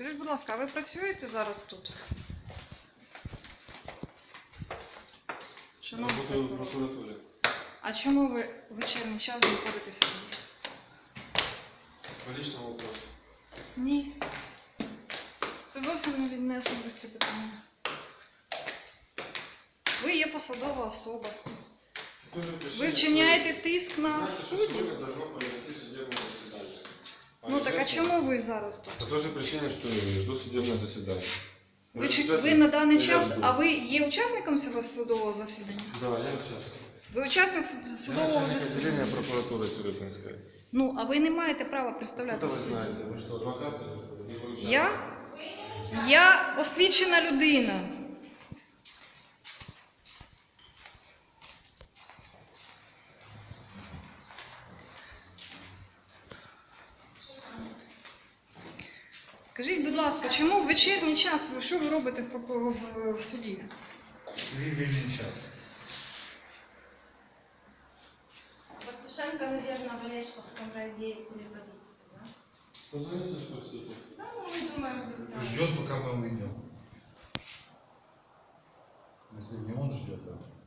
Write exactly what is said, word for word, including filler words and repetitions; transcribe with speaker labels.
Speaker 1: Скажіть, будь ласка, а ви працюєте зараз тут? Шановний
Speaker 2: Работаю в
Speaker 1: прокурор.
Speaker 2: прокуратуре.
Speaker 1: А чому ви в вечірній час знаходитесь тут?
Speaker 2: По личному вопросу.
Speaker 1: Ні. Це зовсім не не особисте питання. Ви є посадова особа.
Speaker 2: Тоже
Speaker 1: Ви
Speaker 2: причина,
Speaker 1: вчиняєте тиск на
Speaker 2: Знаете, что
Speaker 1: суддів?
Speaker 2: сегодня должно произойти судебное заседание.
Speaker 1: Ну так а чому ви зараз тут?
Speaker 2: По той же причине, что жду судебное заседание.
Speaker 1: Ви, чи-
Speaker 2: Результаты
Speaker 1: ви на даний
Speaker 2: я
Speaker 1: час,
Speaker 2: жду.
Speaker 1: а ви є учасником цього судового засідання?
Speaker 2: Да, я участвую.
Speaker 1: Ви учасник суд- судового
Speaker 2: Я начальник
Speaker 1: засідання?
Speaker 2: отделения прокуратуры Сиротинской.
Speaker 1: Ну, а ви не маєте права
Speaker 2: Откуда
Speaker 1: представляти
Speaker 2: вы
Speaker 1: суд.
Speaker 2: знаете? Вы что, адвокат? или вы участник?
Speaker 1: Я? Я освічена людина. Скажіть, будь ласка, чому в вечірній час ви що ви робите в, в, в, в суді?
Speaker 3: Цивильный час.
Speaker 4: Пастушенко, наверное, в Олешковском районе переводится, да?
Speaker 2: Позвоните, спросите.
Speaker 4: Да, ну, мы думаем, вы знаете.
Speaker 3: Ждет, пока мы уйдем. Если не он ждет, да.